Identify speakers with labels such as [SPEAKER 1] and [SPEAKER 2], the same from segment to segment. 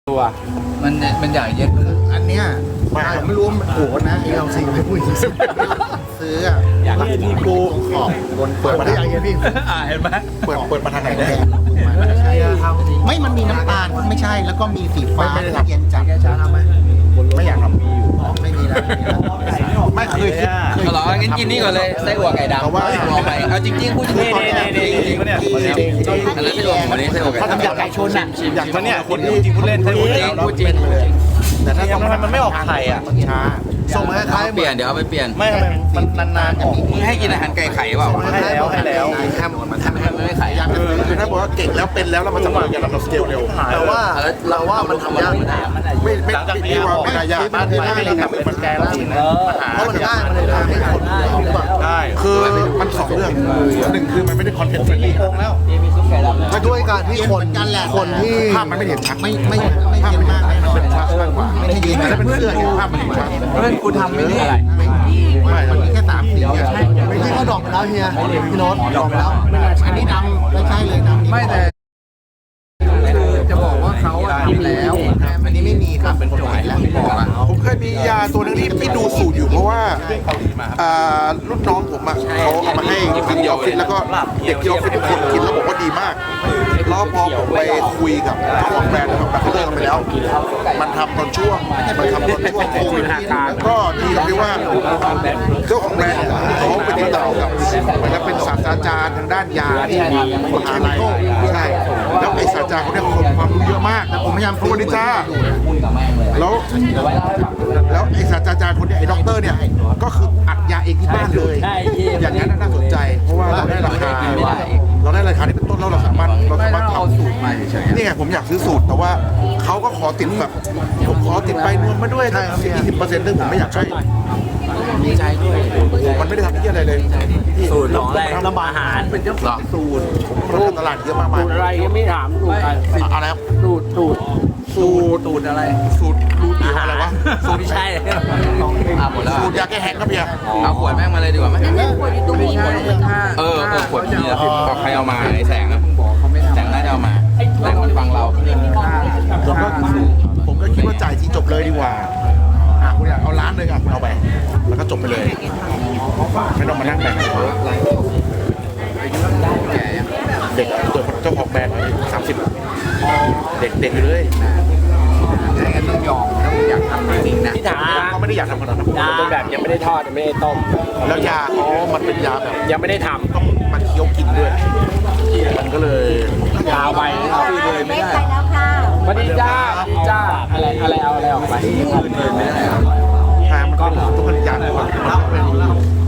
[SPEAKER 1] ตัว
[SPEAKER 2] มันใหญ่เย็ดอันเนี้ยไม่รู้มันโหนะไอ้เราสิ่งไม่พูดซื้ออ่ะอยากให้พี่กูขอบบนเปิดมาได้ยังไงพี่
[SPEAKER 1] เห็นไหม
[SPEAKER 2] เปิดมาทางไหนได้ไม่มันมีน้ำตาลไม่ใช่แล้วก็มีสีฟ้าเย็นจัดทำไหมไม่อยากทำมีอยู่ไม่มีแล้วไม่เคยคิด
[SPEAKER 3] เหรองั้นกินนี่ก่อนเลยไส้อั่วไก่ดำว่าเอาจริงๆพูดจริงๆจริงปะเนี่ยอันนั้นไส้อั่ววันนี้ไส้อั่วไก่ดำ
[SPEAKER 2] อยากไก่ชนอ่ะ
[SPEAKER 1] อย่างมันเนี่ยคนพูดจริงพูดเล่นใช่พูดจริง
[SPEAKER 3] พูดจริง
[SPEAKER 1] แต่ถ้าทำไมมันไม่ออกไข่อ่ะ
[SPEAKER 2] ช้าส่งมาคล้าย
[SPEAKER 3] เปลี่ยนเดี๋ยวเอาไปเปลี่ยน
[SPEAKER 1] ไม่มันนานๆออก
[SPEAKER 3] มึงให้กินอาหารไก่ไข่เปล่า
[SPEAKER 1] ให้แล้ว
[SPEAKER 3] ทำไม่ไข่
[SPEAKER 2] คือถ้าบอกว่าเก่งแล้วเป็นแล้วมันจะมาอย่างเราสเกลเร็วแต่ว่าเราว่ามันทำยากไม่ดีว่าไม่ได้ยากมันง่ายนะครับมันแก้ได้เพราะมันง่ายมันเลยทำให้คน
[SPEAKER 1] ได้
[SPEAKER 2] คือมันสองเรื่องหนึ่งคือมันไม่ได้คอนเทนต์เฟรนลี่แล้วมาด้วยการที่คนที่ภาพมันไม่เห็นชัดไม่เห็นมากเป็นชัดมากกว่าไม่ได้ยินแต่เป็นเสื้อภาพมันเห็นชัด
[SPEAKER 3] เพื่อนกูทำไม่ได้อะไร
[SPEAKER 2] มันแค่3 สีไม่ใช่เขาดอกไปแล้วเฮียพี่โน้ตดอกไปแล้วอันนี้ดำไม่ใช่เลยดำไม่แต่จะบอกว่าเขาทำแล้วอันนี้ไม่มีครับเป็นโจทย์แล้วบอกอ่ะผมเคยมียาตัวนึงที่ดูสูตรอยู่เพราะว่ารุ่นน้องผมเขาเอามาให้กินที่ออฟฟิศแล้วก็เด็กที่ออฟฟิศทุกคนกินแล้วบอกว่าดีมากแล้วพอผมไปคุยกับเจ้าของแบรนด์แบบเขาเลิกกันไปแล้วมันทำตอนช่วงโควิดก็ดีตรงที่ว่าเจ้าของแบรนด์เขาไปติดต่อกับเหมือนกับเป็นศาสตราจารย์ทางด้านยาที่มหาลัยใช่แล้วไอ้ศาสตราจารย์เขาได้ความรู้เยอะมากแต่ผมพยายามพูดนิจ้าแล้วไอ้ศาสตราจารย์คนนี้ไอ้ด็อกเตอร์เนี่ยก็คืออัดยาเองที่บ้านเลยอย่างนั้นน่าสนใจเพราะว่าเราได้ราคาที่เป็นต้นแล้วเราสามารถทำสูตรใหม่เฉยนี่ไงผมอยากซื้อสูตรแต่ว่าเขาก็ขอติดแบบผมขอติดใบนวมมาด้วย20%ซึ่งผมไม่อยากใช้
[SPEAKER 3] ดีใจด้วย
[SPEAKER 2] มันไม่ได้ทำที่อะไรเลย
[SPEAKER 1] สูตรของอะไรทำอาหาร
[SPEAKER 2] เป็นเจ้าของสูตรผมทำตลาดเยอะมาก
[SPEAKER 1] สูตรอะไรยังไม่ถามสูตร
[SPEAKER 2] อะไรครับ
[SPEAKER 1] สูตรอะไร
[SPEAKER 2] สูตรอะไรวะสูตร
[SPEAKER 3] ไม่ใช่หมดแล้ว
[SPEAKER 2] สูตรยาแก้แห้งครับเพีย
[SPEAKER 3] เอาขวดแม่งมาเลยดีกว่าไหม
[SPEAKER 4] ขวดอยู่ตรงนี้
[SPEAKER 3] ขวดนี้บอกใครเอามาไอ้แสงนะแสงน่าจะเอามาแสงมันฟังเรา
[SPEAKER 2] ผมก็คิดว่าจ่ายทีจบเลยดีกว่าคุณอยากเอาล้านเลยอ่ะคุณเอาไปแล้วก็จบไปเลยไม่ต้องมานั่งแบ่งเด็กตัวเจ้าของแบรนด์30เด็กเลย
[SPEAKER 3] ต้องยอมอยากทำจริงนะ
[SPEAKER 1] ที่ถาม
[SPEAKER 2] เขาไม่ได้อยากทำขนาดนั้น
[SPEAKER 1] เป็นแบบยังไม่ได้ทอดยังไม่ได้ต้ม
[SPEAKER 2] แล้วยาเขามันเป็นยาแบบ
[SPEAKER 1] ยังไม่ได้ทำ
[SPEAKER 2] ต้องมันเคี้ยวกินด้วยมันก็เลย
[SPEAKER 1] ยาวไป
[SPEAKER 4] เลยไม่ได้แล้วค่ะ
[SPEAKER 1] สวัสดีจ้าอะไรเอาอะไรออกไป
[SPEAKER 3] เลยไม่ได้
[SPEAKER 2] ทางมันก็ต้องเป็นยาเลยมันอยู่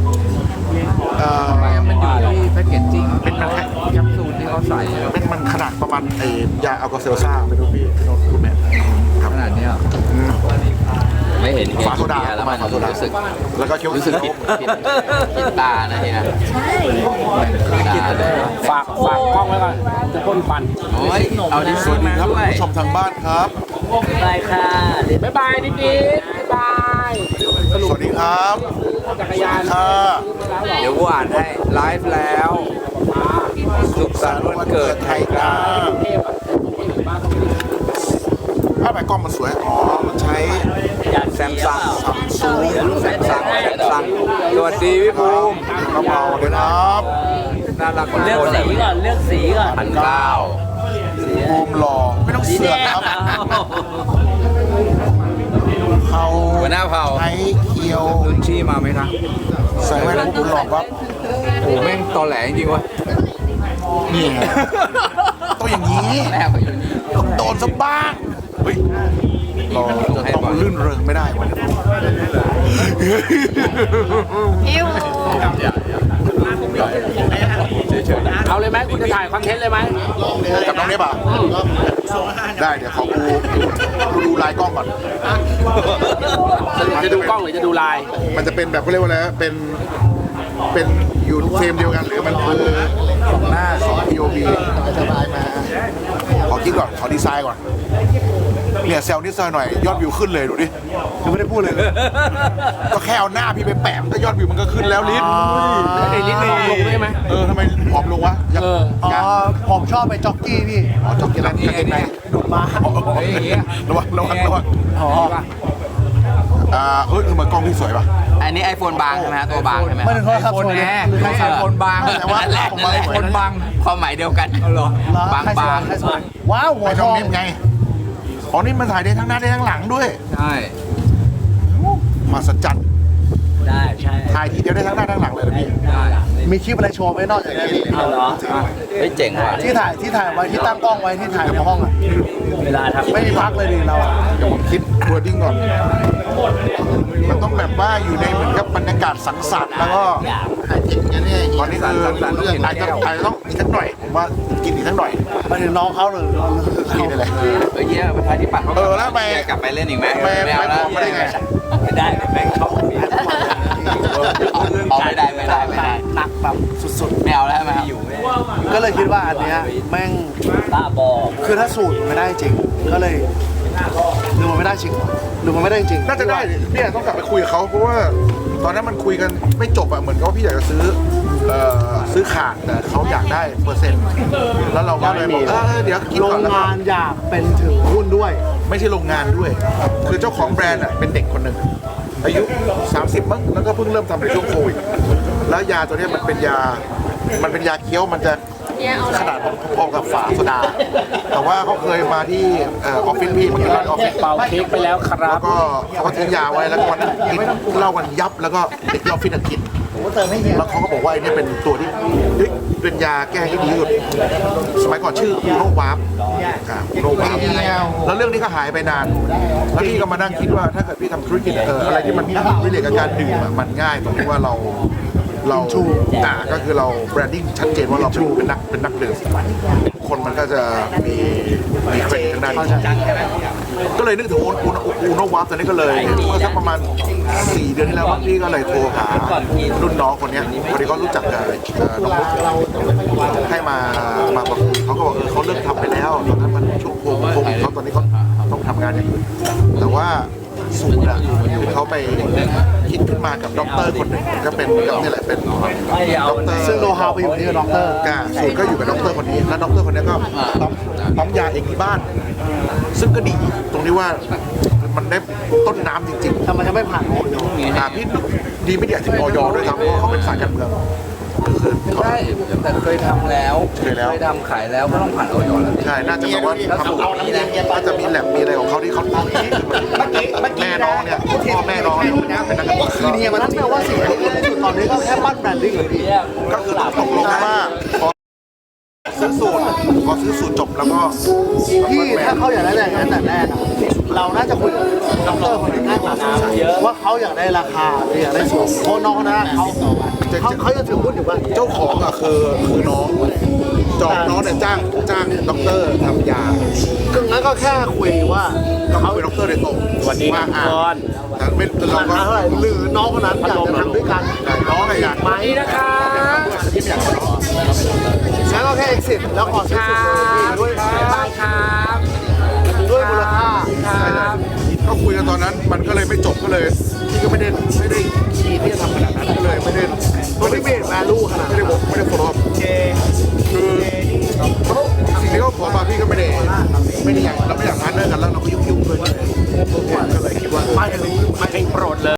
[SPEAKER 2] ที่แพ็กเกจจิ้งเป็นมันแค่แคปซูลที่เขาใส่เป็นมันขนาดประมาณยาอัลกอเซลซ่าไม่รู้พี่โน้ตคุณแม่
[SPEAKER 3] ขนาดนี้ไม่เห็น
[SPEAKER 2] ฝาโซดา
[SPEAKER 3] แล้วมันรู้สึก
[SPEAKER 2] แล้วก็เคี้ยว
[SPEAKER 3] รู้สึกผิดตานะเนี่ย
[SPEAKER 4] ใช่
[SPEAKER 1] ฝากกล้องไว้ก่อนจะพ่นฟัน
[SPEAKER 3] โอ้ยเอาดิสวัสดี
[SPEAKER 2] ครับผู้ชมทางบ้านครับ
[SPEAKER 1] บายค่ะบ๊ายบายนิดบ๊ายบาย
[SPEAKER 2] สวัสดีครับ
[SPEAKER 1] จักรยาน
[SPEAKER 2] ค่ะ
[SPEAKER 3] เดี๋ยวกูอ่านให้ไลฟ์แล้วสุขสันต์วันเกิดไทยกา
[SPEAKER 2] ถ้าแบบกล้องมันสวยมันใช้
[SPEAKER 3] แซมซังสวัสดีพี่ภูมิ
[SPEAKER 2] กระเป๋าเลยครับ
[SPEAKER 3] น่ารัก
[SPEAKER 1] เลือกสีก่อน
[SPEAKER 2] 1,900ภูมิหล่อไม่ต้องเสือกครับเขา
[SPEAKER 3] หัวหน้าเผ่า
[SPEAKER 2] ใช้เคียว
[SPEAKER 3] พื้นที่มาไหมครับ
[SPEAKER 2] ใส่ไว้แล้วคุณหลอกครับ
[SPEAKER 3] โอ้แม่งตอแหลจริงวะ
[SPEAKER 2] นี่ต้องอย่างนี้ต้องโดนซะบ้างเฮ้ยเราจะต้องลื่นเริงไม่ได้วันนี้
[SPEAKER 1] เอาเลยไหมคุณจะถ่ายคอนเทนต์เลยไหม
[SPEAKER 2] กับน้องเนบอ่ะได้เดี๋ยวขอดูลายกล้องก่อน
[SPEAKER 1] จะดูกล้องหรือจะดูลาย
[SPEAKER 2] มันจะเป็นแบบเขาเรียกว่าอะไรเป็นอยู่เฟรมเดียวกันหรือมันคือ2 หน้า2 POV ขอคิดก่อนขอดีไซน์ก่อนเนี่ยเซลล์นิดหน่อยยอดวิวขึ้นเลยดูดิยังไม่ได้พูดเลยก็แค่เอาหน้าพี่ไปแปะก็ยอดวิวมันก็ขึ้นแล้วลิ้น
[SPEAKER 1] ลิ้นผอมลงได้ไหม
[SPEAKER 2] ทำไมผอมลงวะ
[SPEAKER 5] ผมชอบไปจ็อกกี้พี่
[SPEAKER 2] จ็อกกี้อะไรดูดมา
[SPEAKER 5] ระวัง
[SPEAKER 2] อ๋อ
[SPEAKER 5] ทำไมกล้องพี่สวยป่ะ
[SPEAKER 3] อันนี้ iPhone บางใช่ไหมฮะตัวบางใช่ไหม
[SPEAKER 2] ไม่ถึงโทรศัพท์สวยนะหรือใครสวย
[SPEAKER 3] iPhone บาง
[SPEAKER 5] แต่ว่า
[SPEAKER 3] นั่นแหละ
[SPEAKER 5] ผม
[SPEAKER 3] นั่นแหละ
[SPEAKER 5] iPhone
[SPEAKER 3] บางความหมายเดียวกันบาง
[SPEAKER 2] ใครสวย
[SPEAKER 3] บาง
[SPEAKER 2] ใครสวยว้าวหัว
[SPEAKER 5] ไอ้
[SPEAKER 2] ท
[SPEAKER 5] น้อ
[SPEAKER 2] องง
[SPEAKER 5] นิฟไงอ๋อนี่มันถ่ายได้ทั้งหน้าได้ทั้งหลังด้วย
[SPEAKER 3] ใช่
[SPEAKER 5] มาสัจจัด
[SPEAKER 1] ได้ใช่
[SPEAKER 5] ถ่ายทีเดียวได้ทั้งหน้าทั้งหลังเลยนะพี่
[SPEAKER 3] ได้
[SPEAKER 2] มีคลิปอะไรโชว์ไหมนอกจากนี้
[SPEAKER 1] เอาเหรอ
[SPEAKER 3] เฮ้ยเจ๋งว่ะ
[SPEAKER 2] ที่ถ่ายไว้ที่ตั้งกล้องไว้ที่ถ่ายในห้องอ่ะ
[SPEAKER 1] เวลาทำ
[SPEAKER 2] ไม่มีพักเลยดิเราอะ
[SPEAKER 5] เดี๋ยวผมคิดวอร์ดิ้งก่อน มันต้องแบบว่าอยู่ในเหมือนกับบรรยากาศสังสรรค์แล้วก็ตอนนี้คืออาจจะต้องอีกสักหน่อยผมว่ากินอีกสักหน่อย
[SPEAKER 2] ไปถึงน้องเขาหรือ
[SPEAKER 5] กินได้เลย
[SPEAKER 3] เฮ้ยเยี่ยประชาธิปัตย์เขา
[SPEAKER 5] แล้วไป
[SPEAKER 3] กลับไปเล่นอีกไหม
[SPEAKER 5] ไป
[SPEAKER 3] ไม่เอาแล้ว
[SPEAKER 5] ไม่ได้ไง
[SPEAKER 1] ไม่ได้แม่งชอบ
[SPEAKER 3] เอาไม่ได้ไม่ได้ไม่ได้
[SPEAKER 1] หนักแบบ
[SPEAKER 2] สุด
[SPEAKER 3] ไม่เอาแล้วใช่ไหมครับ
[SPEAKER 2] ๆก็เลยคิดว่าอันเนี้ยแม่ง
[SPEAKER 1] ตาบอ
[SPEAKER 2] คือถ้าสูตรมันไม่ได้จริง ก็เลยหรือมันไม่ได้จริงหรือมันไม่ได้จริง
[SPEAKER 5] น่าจะได้เนี่ยต้องกลับไปคุยกับเขาเพราะว่าตอนนั้นมันคุยกันไม่จบอะเหมือนกับว่าพี่อยากจะซื้อขาดแต่เขาอยากได้เปอร์เซ็นต์แล้วเราก็เลยบอกเดี๋ยวคิด
[SPEAKER 2] โร
[SPEAKER 5] ก่อน
[SPEAKER 2] ง
[SPEAKER 5] แล้วก็
[SPEAKER 2] งานอยากเป็นถึงหุ้นด้วย
[SPEAKER 5] ไม่ใช่โรงงานด้วย คือเจ้าของแบรนด์อ่ะเป็นเด็กคนหนึ่งอายุ 30 มั้งแล้วก็เพิ่งเริ่มทำในช่วงโควิดแล้วยาตัวเนี้ยมันเป็นยาเคี้ยวมันจะขนาดพอๆกับฝาโซดา แต่ว่าเขาเคยมาที่ออฟฟิศพี่มากินเหล้าที่ออฟฟิศ
[SPEAKER 1] เป่าเค้กไปแล้วครั
[SPEAKER 5] แล้
[SPEAKER 1] บ
[SPEAKER 5] วก็เขาก็ทิ้งยาไว้แล้วก็วันนั้นกินเหล้ากันยับแล้วก็เด็กที่ออฟฟิศอะกิน
[SPEAKER 2] ผมก็เติมให้เฮีย
[SPEAKER 5] แล้วเขาก็บอกว่าไอ้เนี่ยเป็นตัวที่เฮ้ยเป็นยาแก้ที่ดีที่สุด สมัยก่อนชื่ออูโนวาร์ปอูโนวาร์ปแล้วเรื่องนี้ก็หายไปนาน แล้วพี่ก็มานั่งคิดว่าถ้าเกิดพี่ทำธุรกิจอะไรที่มันวิเลตกับการดื่มอะมันง่ายตรงที่ว่าเราก็คือเราแบรนดิ้งชัดเจนว่าเราเป็นนักดื่มคนมันก็จะมีเครดิตทางด้านนี้ก็เลยนึกถึงอูโนวาร์ปตอนนี้ก็เลยเมื่อสักประมาณ 4 เดือนที่แล้วพี่ก็เลยโทรหารุ่นน้องคนเนี้ยพอดีเขารู้จักกับน้องมุกให้มาบอกเขาก็บอกเขาเลิกทำไปแล้วตอนนั้นมันช่วงโควิดเขาตอนนี้เขาต้องทำงานอย่างอื่นแต่ว่าสูตรอะเขาไปคิดขึ้นมากับด็อกเตอร์คนหนึ่งก็เป็นนี่แหละเป็นด็อกเตอร์
[SPEAKER 2] ซึ่งโนฮาวไปอยู่ที่ด็อกเตอร์
[SPEAKER 5] สูตรก็อยู่กับด็อกเตอร์คนนี้แล้วด็อกเตอร์คนนี้ก็ปั๊มยาเองที่บ้าน ซึ่งก็ดีตรงที่ว่ามันได้ต้นน้ำจริงๆ
[SPEAKER 2] แต่มันจะไม่ผ่านโอย
[SPEAKER 5] พี่ดีไม่ดีอาจจะมีออยด้วยซ้ำเพราะเขาเป็นสายการเมืองคือ
[SPEAKER 3] ใช่แต่เคยทำแล้ว
[SPEAKER 5] เคยแล้ว
[SPEAKER 3] ทำขายแล้วก็ต้องผ่านออยแล้ว
[SPEAKER 5] ใช่น่าจะแบบว่าทำน่าจะมีแลบมีอะไรของเขาที่เขาแม่น้องเนี่ยพ่อแม่น้องเนี่ยเป็นนักการเมือง
[SPEAKER 2] คือเฮียมันนั่นแปลว่าสิ่งที่ดีที่สุดตอนนี้ก็แค่ปั้นแบรนดิ้งเลยพี่
[SPEAKER 5] ก็คือตกลงว่าพอซื้อสูตรจบแล้วก็
[SPEAKER 2] พี่ถ้าเขาอยากได้อย่างนั้นแต่แรกอะเราน่าจะคุยกับด็อกเตอร์คนนั้นก่อนว่าเขาอยากได้ราคาหรืออยากได้สูตรเพราะน้องคนนั้นอะเขาจะถือหุ้นอยู่ว่า
[SPEAKER 5] เจ้าของอะคือน้องน้องเนี่ยจ้างด็อกเตอร์ทำยา
[SPEAKER 2] ก็งั้นก็แค่คุยว่า
[SPEAKER 5] เขาเป็นด็อกเตอร์โดยตรง
[SPEAKER 1] สวัสดีทุกคน
[SPEAKER 5] แต่ไม่เรา
[SPEAKER 2] รา
[SPEAKER 5] ก็
[SPEAKER 2] คาเท่าไหร่หรือน้องคนนั้นอยากจะทำด้วยกัน
[SPEAKER 5] น้องอะอยาก
[SPEAKER 1] สวัสดีนะครับ
[SPEAKER 2] งั้นก็แค่ exit แล้วขอซื้อสูตรเลยด้วย
[SPEAKER 1] บายครับ
[SPEAKER 2] ด้วยมูลค่า
[SPEAKER 1] ครับ
[SPEAKER 5] ก็คุยกันตอนนั้นมันก็เลยไม่จบก็เลยพี่ก็ไม่ได้คีย์ที่จะทำขนาดนั้นก็เลยไม่ได้
[SPEAKER 2] มันไม่เบรดแวลูขนาด
[SPEAKER 5] ไม่ได้บอกไม่ได้ follow up คือสิ่งที่เขาขอมาพี่ก็ไม่ได้อยากเราไม่อยากพาร์ทเนอร์กันแล้วเราก็ยุ่งๆด้วยก็เลยคิดว่า
[SPEAKER 2] ไปถึง
[SPEAKER 1] ไม่โปรดเลย